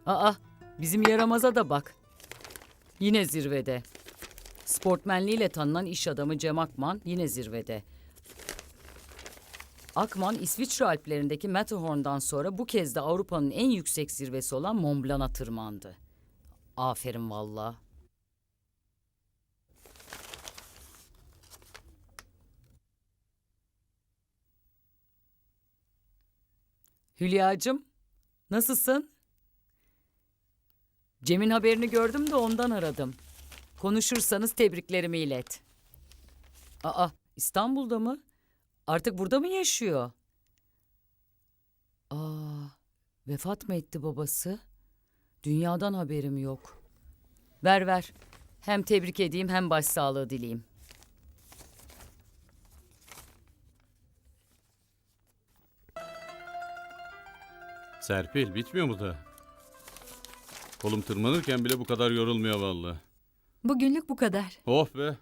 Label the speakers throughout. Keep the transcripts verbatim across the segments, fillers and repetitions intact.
Speaker 1: Aa, bizim yaramaza da bak. Yine zirvede. Sportmenliğiyle tanınan iş adamı Cem Akman yine zirvede. Akman, İsviçre Alplerindeki Matterhorn'dan sonra bu kez de Avrupa'nın en yüksek zirvesi olan Mont Blanc'a tırmandı. Aferin valla. Hülyacığım, nasılsın? Cem'in haberini gördüm de ondan aradım. Konuşursanız tebriklerimi ilet. Aa, İstanbul'da mı? Artık burada mı yaşıyor? Aa, vefat mı etti babası? Dünyadan haberim yok. Ver ver. Hem tebrik edeyim hem başsağlığı dileyeyim.
Speaker 2: Serpil bitmiyor mu da? Kolum tırmanırken bile bu kadar yorulmuyor vallahi.
Speaker 3: Bugünlük bu kadar.
Speaker 2: Oh be.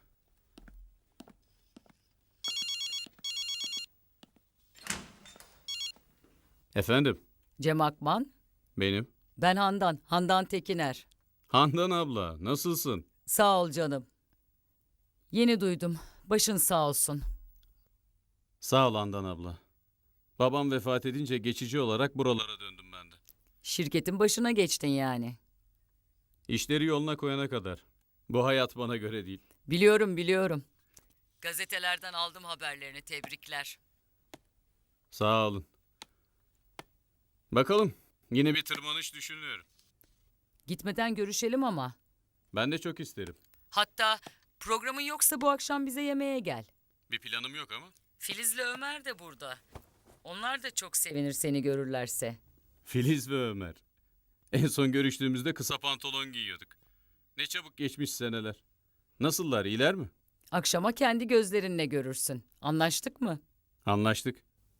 Speaker 2: Efendim,
Speaker 1: Cem Akman,
Speaker 2: benim.
Speaker 1: ben Handan, Handan Tekiner.
Speaker 2: Handan abla, nasılsın?
Speaker 1: Sağ ol canım. Yeni duydum. Başın sağ olsun.
Speaker 2: Sağ ol Handan abla. Babam vefat edince geçici olarak buralara döndüm ben de.
Speaker 1: Şirketin başına geçtin yani.
Speaker 2: İşleri yoluna koyana kadar. Bu hayat bana göre değil.
Speaker 1: Biliyorum, biliyorum. Gazetelerden aldım haberlerini. Tebrikler.
Speaker 2: Sağ olun. Bakalım, yine bir tırmanış düşünüyorum.
Speaker 1: Gitmeden görüşelim ama.
Speaker 2: Ben de çok isterim.
Speaker 1: Hatta programın yoksa bu akşam bize yemeğe gel.
Speaker 2: Bir planım yok ama.
Speaker 1: Filiz'le Ömer de burada. Onlar da çok sevinir seni görürlerse.
Speaker 2: Filiz ve Ömer. En son görüştüğümüzde kısa pantolon giyiyorduk. Ne çabuk geçmiş seneler. Nasıllar, iyiler mi?
Speaker 1: Akşama kendi gözlerinle görürsün. Anlaştık mı?
Speaker 2: Anlaştık.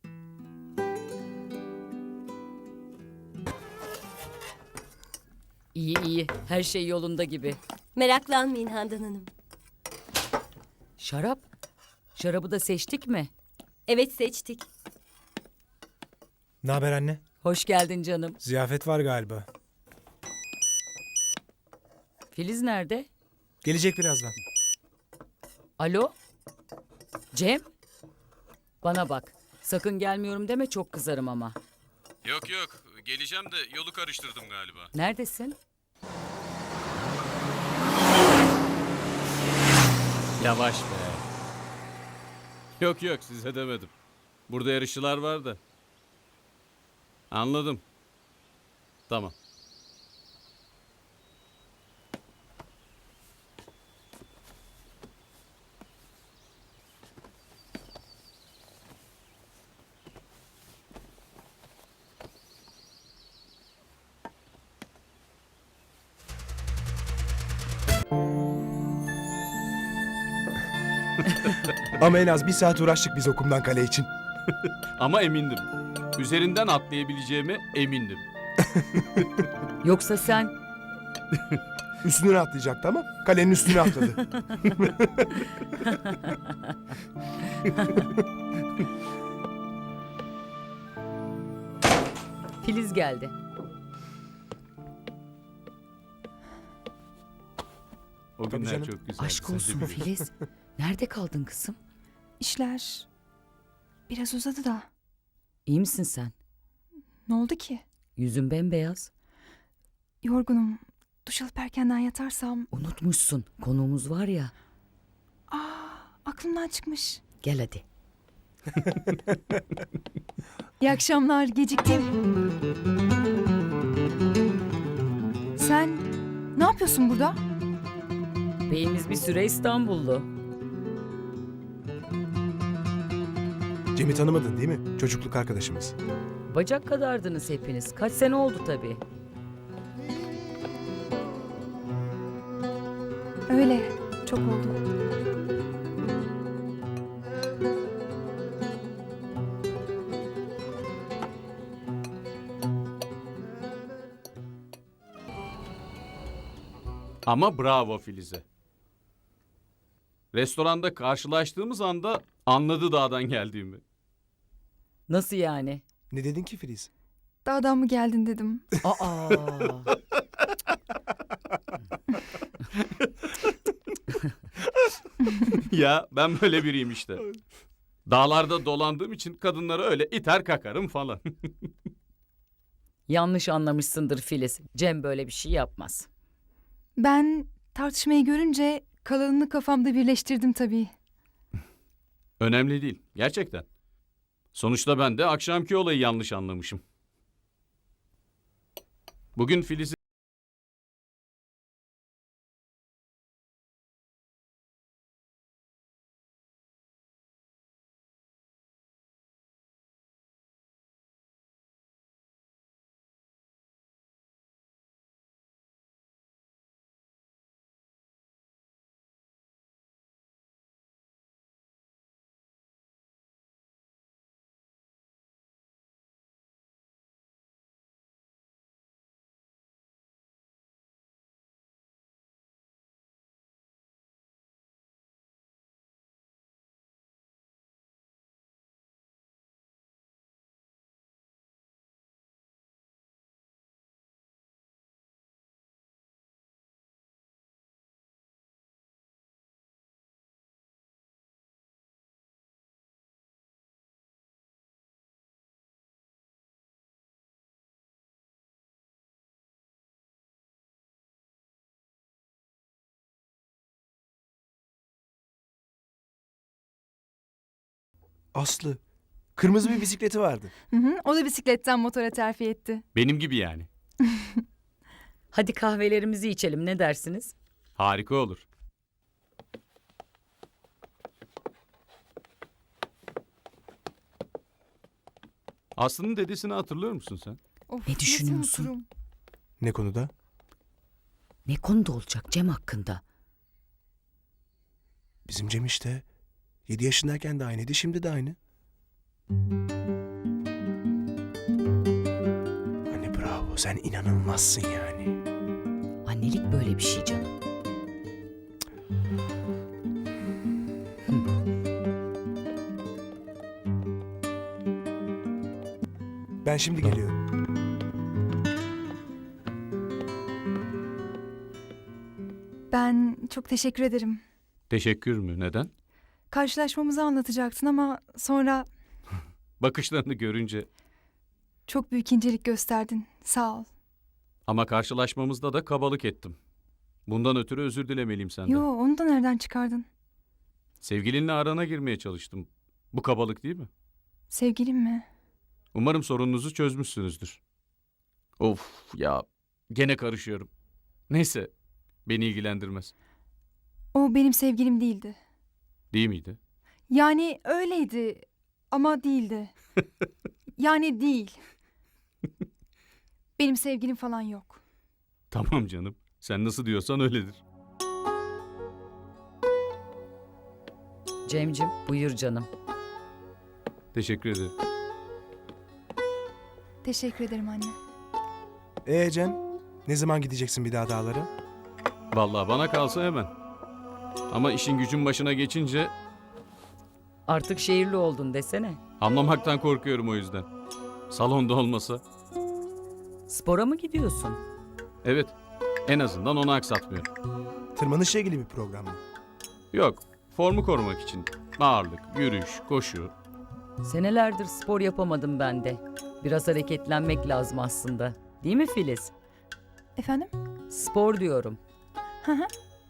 Speaker 1: İyi iyi. Her şey yolunda gibi.
Speaker 4: Meraklanmayın Handan Hanım.
Speaker 1: Şarap? Şarabı da seçtik mi?
Speaker 4: Evet, seçtik.
Speaker 5: Ne haber anne?
Speaker 1: Hoş geldin canım.
Speaker 5: Ziyafet var galiba.
Speaker 1: Filiz nerede?
Speaker 5: Gelecek birazdan.
Speaker 1: Alo? Cem? Bana bak. Sakın gelmiyorum deme, çok kızarım ama.
Speaker 2: Yok yok, geleceğim de yolu karıştırdım galiba.
Speaker 1: Neredesin?
Speaker 2: Yavaş be. Yok yok, size demedim. Burada yarışçılar var da. Anladım. Tamam.
Speaker 5: Ama en az bir saat uğraştık biz okumdan kale için.
Speaker 2: Ama emindim. Üzerinden atlayabileceğime emindim.
Speaker 1: Yoksa sen...
Speaker 5: Üstüne atlayacaktı ama kalenin üstüne atladı.
Speaker 1: Filiz geldi.
Speaker 2: O
Speaker 5: Tabii
Speaker 2: günler
Speaker 5: canım.
Speaker 2: çok güzel.
Speaker 1: Aşk olsun Filiz. Nerede kaldın kızım?
Speaker 3: İşler biraz uzadı da.
Speaker 1: İyi misin sen?
Speaker 3: Ne oldu ki?
Speaker 1: Yüzün bembeyaz.
Speaker 3: Yorgunum. Duş alıp erkenden yatarsam
Speaker 1: Unutmuşsun. Konuğumuz var ya.
Speaker 3: aklımdan çıkmış.
Speaker 1: Gel hadi.
Speaker 3: İyi akşamlar. Geciktim. Sen ne yapıyorsun burada?
Speaker 1: Beyimiz bir süre İstanbullu.
Speaker 5: Cem'i tanımadın değil mi? Çocukluk arkadaşımız.
Speaker 1: Bacak kadardınız hepiniz. Kaç sene oldu tabii.
Speaker 3: Öyle. Çok oldu.
Speaker 2: Ama bravo Filiz'e. Restoranda karşılaştığımız anda anladı dağdan geldiğimi.
Speaker 1: Nasıl yani?
Speaker 5: Ne dedin ki Filiz?
Speaker 3: Dağdan mı geldin dedim.
Speaker 1: Aa.
Speaker 2: Ya ben böyle biriyim işte. Dağlarda dolandığım için kadınlara öyle iter kakarım falan.
Speaker 1: Yanlış anlamışsındır Filiz. Cem böyle bir şey yapmaz.
Speaker 3: Ben tartışmayı görünce kalanını kafamda birleştirdim tabii.
Speaker 2: Önemli değil. Gerçekten. Sonuçta ben de akşamki olayı yanlış anlamışım. Bugün Filiz'i
Speaker 5: Aslı. Kırmızı bir bisikleti vardı.
Speaker 3: Hı hı, o da bisikletten motora terfi etti.
Speaker 2: benim gibi yani.
Speaker 1: Hadi kahvelerimizi içelim, ne dersiniz?
Speaker 2: Harika olur. Aslı'nın dedesini hatırlıyor musun sen?
Speaker 3: Of,
Speaker 1: Ne
Speaker 3: nasıl
Speaker 1: düşünüyorsun?
Speaker 3: unuturum?
Speaker 5: Ne konuda?
Speaker 1: Ne konuda olacak Cem hakkında?
Speaker 5: Bizim Cem işte. Yedi yaşındayken de aynıydı, şimdi de aynı. Anne bravo, sen inanılmazsın yani.
Speaker 1: Annelik böyle bir şey canım.
Speaker 5: Ben şimdi geliyorum.
Speaker 3: Ben çok teşekkür ederim.
Speaker 2: Teşekkür mü? Neden?
Speaker 3: Karşılaşmamızı anlatacaktın ama sonra
Speaker 2: Bakışlarını görünce.
Speaker 3: çok büyük incelik gösterdin. Sağ ol.
Speaker 2: Ama karşılaşmamızda da kabalık ettim. Bundan ötürü özür dilemeliyim senden.
Speaker 3: Yo, onu da nereden çıkardın?
Speaker 2: Sevgilinle arana girmeye çalıştım. Bu kabalık değil mi?
Speaker 3: Sevgilim mi?
Speaker 2: Umarım sorununuzu çözmüşsünüzdür. Of ya, gene karışıyorum. Neyse, beni ilgilendirmez.
Speaker 3: O benim sevgilim değildi.
Speaker 2: Değil miydi?
Speaker 3: Yani öyleydi ama değildi. Yani değil. Benim sevgilim falan yok.
Speaker 2: Tamam canım. Sen nasıl diyorsan öyledir.
Speaker 1: Cemcim, buyur canım.
Speaker 2: Teşekkür ederim.
Speaker 3: Teşekkür ederim anne.
Speaker 5: Ee Cem, ne zaman gideceksin bir daha dağlara?
Speaker 2: Vallahi bana kalsa hemen. Ama işin gücün başına geçince
Speaker 1: Artık şehirli oldun desene.
Speaker 2: anlamaktan korkuyorum o yüzden. Salonda olmasa.
Speaker 1: Spora mı gidiyorsun?
Speaker 2: Evet, en azından onu aksatmıyorum.
Speaker 5: Tırmanışla ilgili bir program mı?
Speaker 2: Yok, formu korumak için. Ağırlık, yürüyüş, koşu.
Speaker 1: Senelerdir spor yapamadım ben de. Biraz hareketlenmek lazım aslında. Değil mi Filiz?
Speaker 3: Efendim?
Speaker 1: Spor diyorum.
Speaker 3: Hı hı.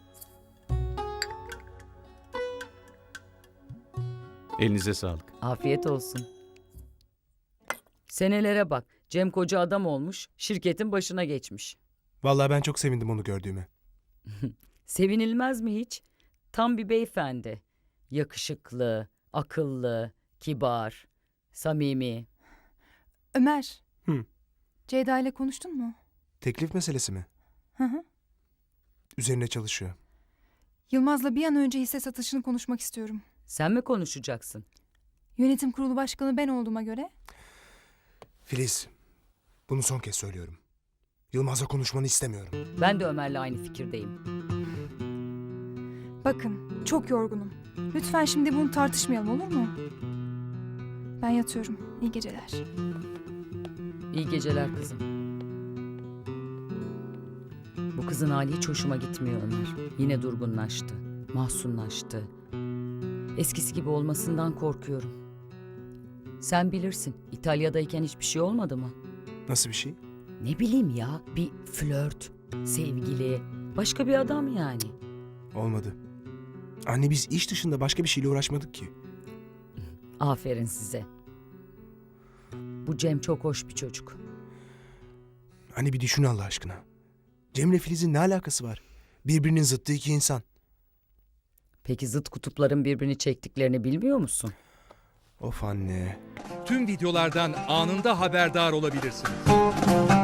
Speaker 2: Elinize sağlık.
Speaker 1: Afiyet olsun. Senelere bak. Cem koca adam olmuş, şirketin başına geçmiş.
Speaker 5: Vallahi ben çok sevindim onu gördüğüme.
Speaker 1: Sevinilmez mi hiç? Tam bir beyefendi. Yakışıklı, akıllı, kibar, samimi.
Speaker 3: Ömer.
Speaker 5: Hı.
Speaker 3: Ceyda ile konuştun mu?
Speaker 5: Teklif meselesi mi?
Speaker 3: Hı hı.
Speaker 5: Üzerine çalışıyor.
Speaker 3: Yılmaz'la bir an önce hisse satışını konuşmak istiyorum.
Speaker 1: Sen mi konuşacaksın?
Speaker 3: Yönetim kurulu başkanı ben olduğuma göre
Speaker 5: Filiz, bunu son kez söylüyorum. Yılmaz'la konuşmanı istemiyorum.
Speaker 1: Ben de Ömer'le aynı fikirdeyim.
Speaker 3: bakın çok yorgunum. Lütfen şimdi bunu tartışmayalım olur mu? Ben yatıyorum. İyi geceler.
Speaker 1: İyi geceler kızım. Bu kızın hali hiç hoşuma gitmiyor Ömer. Yine durgunlaştı, mahzunlaştı. Eskisi gibi olmasından korkuyorum. Sen bilirsin, İtalya'dayken hiçbir şey olmadı mı?
Speaker 5: Nasıl bir şey?
Speaker 1: Ne bileyim ya, bir flört, sevgili, başka bir adam yani.
Speaker 5: Olmadı. Anne biz iş dışında başka bir şeyle uğraşmadık ki.
Speaker 1: Aferin size. Bu Cem çok hoş bir çocuk.
Speaker 5: Anne bir düşün Allah aşkına. Cem'le Filiz'in ne alakası var? Birbirinin zıttı iki insan.
Speaker 1: Peki zıt kutupların birbirini çektiklerini bilmiyor musun?
Speaker 5: Of anne.
Speaker 6: Tüm videolardan anında haberdar olabilirsiniz.